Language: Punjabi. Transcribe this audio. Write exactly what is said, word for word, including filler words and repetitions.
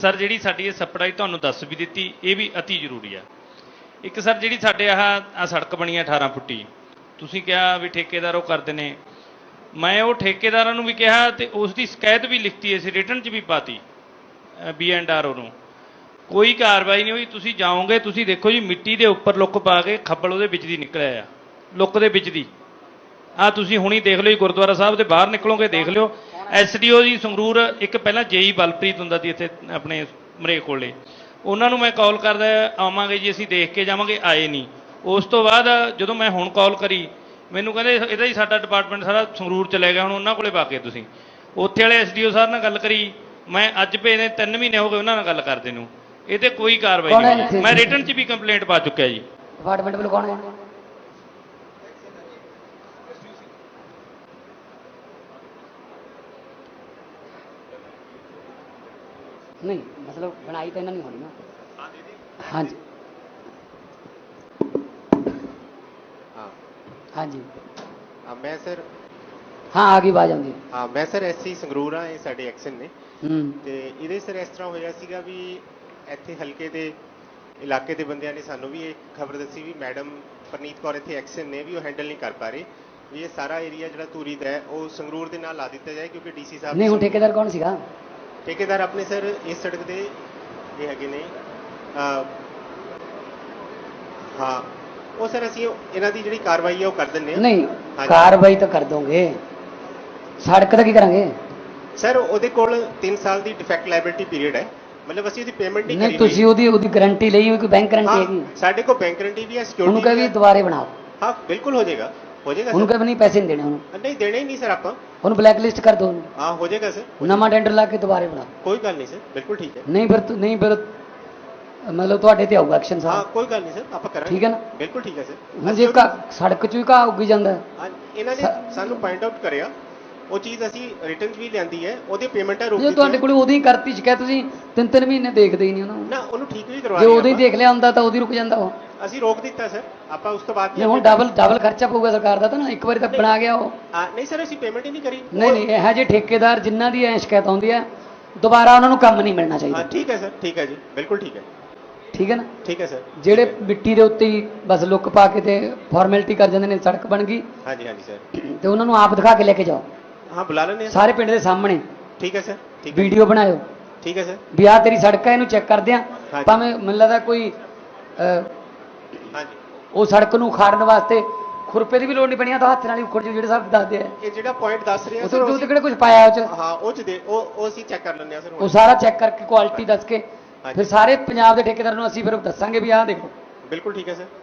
सर जी साडी सप्लाई तुहानूं दस भी दी ये भी अति जरूरी है। एक सर जी साडे आह आ सड़क बनी है अठारह फुटी तुसीं कहा भी ठेकेदार वो करते हैं, मैं वो ठेकेदारां नूं भी कहा तो उसकी शिकायत भी लिखती है रिटन च भी पाती बी एंड आर ओ कोई कार्रवाई नहीं हुई। तुसीं जाओगे तुसीं देखो जी मिट्टी के उपर लुक पा के खब्बल वो बिच दी निकलिया लुक दे बिच दी आ तुसीं हुणी देख लो जी गुरुद्वारा साहब के बाहर निकलोगे देख लो S D O ji Sangrur एक पहला जेई बलप्रीत हुंदा सी इत्थे अपने मरेक कोले उन्होंने मैं कॉल करदा आवांगे जी असीं देख के जावांगे आए नहीं। उस तो बाद जदों मैं हुण कॉल करी मैनूं कहंदे इहदा ही साडा डिपार्टमेंट सारा संगरूर चले गया हुण उन्हां कोले पा के तुसीं उत्थे वाले एस डी ओ साहब नाल गल करी मैं अज भेजे तीन महीने हो गए उन्हां नाल गल करदे नूं ये ते कोई कार्रवाई नहीं। मैं रिटन च भी कंप्लेंट पा चुक्या जी। डिपार्टमेंट वालों कौन है? नहीं मतलब बनाई तो इन्होंने नहीं होनी ना। हाँ जी हाँ हाँ जी हाँ मैं सर हाँ आ गई आवाज आती। हाँ मैं सर ਐਸਸੀ ਸੰਗਰੂਰ ਹਾਂ ਇਹ ਸਾਡੇ ਐਕਸ਼ਨ ਨੇ ਹੂੰ ਤੇ ਇਹਦੇ ਸਰ ਇਸ ਤਰ੍ਹਾਂ ਹੋਇਆ ਸੀਗਾ ਵੀ ਇੱਥੇ ਹਲਕੇ ਦੇ ਇਲਾਕੇ ਦੇ ਬੰਦਿਆਂ ਨੇ ਸਾਨੂੰ ਵੀ ਇਹ ਖਬਰ ਦੱਸੀ ਵੀ ਮੈਡਮ ਪਰਨੀਤ ਕੌਰ ਇੱਥੇ ਐਕਸ਼ਨ ਨੇ ਵੀ ਉਹ ਹੈਂਡਲ ਨਹੀਂ ਕਰ ਪਾ ਰਹੇ ਵੀ ਇਹ ਸਾਰਾ ਏਰੀਆ ਜਿਹੜਾ ਧੂਰੀ ਦਾ ਹੈ ਉਹ ਸੰਗਰੂਰ ਦੇ ਨਾਲ ਲਾ ਦਿੱਤਾ ਜਾਏ ਕਿਉਂਕਿ ਡੀਸੀ ਸਾਹਿਬ नहीं हूँ ठेकेदार कौन सीगा? ਠੇਕੇਦਾਰ ਆਪਣੇ ਸਰ ਇਸ ਸੜਕ ਦੇ ਇਹ ਹੈਗੇ ਨੇ ਅਹ, ਹਾਂ ਉਹ ਸਰ ਅਸੀਂ ਇਹਨਾਂ ਦੀ ਜਿਹੜੀ ਕਾਰਵਾਈ ਹੈ ਉਹ ਕਰ ਦਿੰਦੇ ਹਾਂ। नहीं हाँ जी। कार्रवाई तो कर दोगे सड़क तो की करेंगे? ਸਰ ਉਹਦੇ ਕੋਲ तीन ਸਾਲ ਦੀ ਡਿਫੈਕਟ ਲਾਇਬਿਲਿਟੀ ਪੀਰੀਅਡ ਹੈ मतलब ਅਸੀਂ ਉਹਦੀ ਪੇਮੈਂਟ ਨਹੀਂ नहीं ਕਰੀ तुसी ਉਹਦੀ ਉਹਦੀ ਗਾਰੰਟੀ ਲਈ ਹੋਈ ਕੋਈ ਬੈਂਕ ਗਾਰੰਟੀ ਹੈਗੀ? ਹਾਂ ਸਾਡੇ ਕੋਲ ਬੈਂਕ ਗਾਰੰਟੀ ਵੀ ਹੈ ਉਹਨੂੰ ਸਿਕਿਉਰਿਟੀ ਕਹੇ ਵੀ ਦੁਬਾਰੇ ਬਣਾਓ ਹਾਂ ਬਿਲਕੁਲ ਹੋ ਜਾਏਗਾ ਹੋ ਜਾਏਗਾ ਉਹਨੂੰ ਸਰ ਕਹੇ ਵੀ ਨਹੀਂ ਪੈਸੇ ਨਹੀਂ ਦੇਣੇ ਉਹਨੂੰ ਨਹੀਂ ਦੇਣੇ ਹੀ ਨਹੀਂ ਸਰ ਆਪਾਂ ਉਹਨੂੰ ਬਲੈਕ ਲਿਸਟ ਕਰ ਦੋ ਉਹਨੂੰ ਹਾਂ ਹੋ ਜਾਏਗਾ ਸਰ ਨਵਾਂ ਟੈਂਡਰ ਲਾ ਕੇ ਦੁਬਾਰੇ ਬਣਾਓ। ਕੋਈ ਗੱਲ ਨਹੀਂ ਸਰ ਬਿਲਕੁਲ ਠੀਕ ਹੈ ਨਹੀਂ ਫਿਰ ਤੁ- ਨਹੀਂ ਫਿਰ ਮਤਲਬ ਤੁਹਾਡੇ ਤੇ ਆਊਗਾ ਐਕਸ਼ਨ ਹਾਂ ਸਾਹਿਬ ਕੋਈ ਗੱਲ ਨਹੀਂ ਸਰ ਆਪਾਂ ਕਰਾਂਗੇ ਠੀਕ ਹੈ ਨਾ? ਬਿਲਕੁਲ ਠੀਕ ਹੈ ਸਰ ਹੁਣ ਜੇ ਘਾਹ- ਸੜਕ 'ਚ ਵੀ ਘਾਹ ਉੱਗੀ ਜਾਂਦਾ ਹੈ, ਹਾਂ, ਇਹਨਾਂ ਨੇ ਸਾਨੂੰ ਪੁਆਇੰਟ ਆਊਟ ਕਰਿਆ ਉਹ ਚੀਜ਼ ਅਸੀਂ ਰਿਟਰਨ ਵੀ ਲਿਆਂਦੀ ਹੈ ਉਹਦੀ ਪੇਮੈਂਟਾਂ ਰੋਕ ਜੇ ਦਿੱਤੀ ਤੁਹਾਡੇ ਕੋਲ ਉਦੋਂ ਹੀ ਕਰਤੀ ਸ਼ਿਕਾਇਤ ਤੁਸੀਂ ਤਿੰਨ ਤਿੰਨ ਮਹੀਨੇ ਦੇਖਦੇ ਹੀ ਨਹੀਂ ਉਹਨੂੰ। ਨਾ ਉਹਨੂੰ ਠੀਕ ਵੀ ਕਰਵਾ ਜੇ ਰਹੇ ਉਦੋਂ ਹੀ ਆਪਾਂ। ਦੇਖ ਲਿਆ ਹੁੰਦਾ ਤਾਂ ਉਹਦੀ ਰੁਕ ਜਾਂਦਾ ਉਹ। ਅਸੀਂ ਰੋਕ ਦਿੱਤਾ ਸਰ ਆਪਾਂ ਉਸ ਤੋਂ ਬਾਅਦ ਜੇ ਹੁਣ ਡਬਲ ਡਬਲ ਖਰਚਾ ਪਊਗਾ ਸਰਕਾਰ ਦਾ ਤਾਂ ਨਾ ਇੱਕ ਵਾਰੀ ਤਾਂ ਬਣਾ ਗਿਆ ਉਹ। ਹਾਂ, ਨਹੀਂ ਸਰ ਅਸੀਂ ਪੇਮੈਂਟ ਹੀ ਨਹੀਂ ਕਰੀ ਨਹੀਂ ਨਹੀਂ ਇਹੋ ਜਿਹੇ ਠੇਕੇਦਾਰ ਜਿਨ੍ਹਾਂ ਦੀ ਐ ਸ਼ਿਕਾਇਤ ਆਉਂਦੀ ਹੈ ਦੁਬਾਰਾ ਉਹਨਾਂ ਨੂੰ ਕੰਮ ਨਹੀਂ ਮਿਲਣਾ ਹਾਂ ਚਾਹੀਦਾ। ਠੀਕ ਹੈ ਸਰ ਠੀਕ ਹੈ ਜੀ ਬਿਲਕੁਲ ਠੀਕ ਹੈ ਠੀਕ ਹੈ ਨਾ? ਠੀਕ ਹੈ ਸਰ ਜਿਹੜੇ ਮਿੱਟੀ ਦੇ ਉੱਤੇ ਹੀ ਬਸ ਲੁੱਕ ਪਾ ਕੇ ਤੇ ਫਾਰਮੈਲਿਟੀ ਕਰ ਜਾਂਦੇ ਨੇ ਸੜਕ ਬਣ ਗਈ ਹਾਂਜੀ ਹਾਂਜੀ ਸਰ ਤੇ ਉਹਨਾਂ ਨੂੰ ਆਪ ਦਿਖਾ ਕੇ ਲੈ ਕੇ ਜਾਓ ਹਾਂ ਬੁਲਾ ਲੈਂਦੇ ਹਾਂ ਸਾਰੇ ਪਿੰਡ ਦੇ ਸਾਹਮਣੇ ਠੀਕ ਹੈ ਸਰ ਠੀਕ ਹੈ ਵੀਡੀਓ ਬਣਾਇਓ ਠੀਕ ਹੈ ਸਰ ਵੀ ਆਹ ਤੇਰੀ ਸੜਕ ਹੈ ਇਹਨੂੰ ਚੈੱਕ ਕਰਦੇ ਆ ਹਾਂਜੀ। ਭਾਵੇਂ ਮੈਨੂੰ ਲੱਗਦਾ ਕੋਈ ਅਹ, ਹਾਂਜੀ ਉਹ ਸੜਕ ਨੂੰ ਉਖਾੜਨ ਵਾਸਤੇ ਖੁਰਪੇ ਦੀ ਵੀ ਲੋੜ ਨਹੀਂ ਪਣੀ ਆ ਤਾਂ ਹੱਥ ਨਾਲ ਹੀ ਉਖੜ ਜੂ ਜਿਹੜੇ ਸਾਹਿਬ ਦੱਸਦੇ ਆ ਇਹ ਜਿਹੜਾ ਪੁਆਇੰਟ ਦੱਸ ਰਹੇ ਆ ਉਹ ਸਰ ਤੋਂ ਕਿਹੜੇ ਕੁਝ ਪਾਇਆ ਉਹ ਚ ਹਾਂ ਉਹ ਚ ਦੇ ਉਹ ਉਹ ਅਸੀਂ ਚੈੱਕ ਕਰ ਲੈਂਦੇ ਆ ਸਰ ਉਹ ਸਾਰਾ ਚੈੱਕ ਕਰਕੇ ਕੁਆਲਿਟੀ ਦੱਸ ਕੇ ਹਾਂਜੀ। ਫਿਰ ਸਾਰੇ ਪੰਜਾਬ ਦੇ ਠੇਕੇਦਾਰਾਂ ਨੂੰ ਅਸੀਂ ਫਿਰ ਦੱਸਾਂਗੇ ਵੀ ਆਹ ਦੇਖੋ ਬਿਲਕੁਲ ਠੀਕ ਹੈ ਸਰ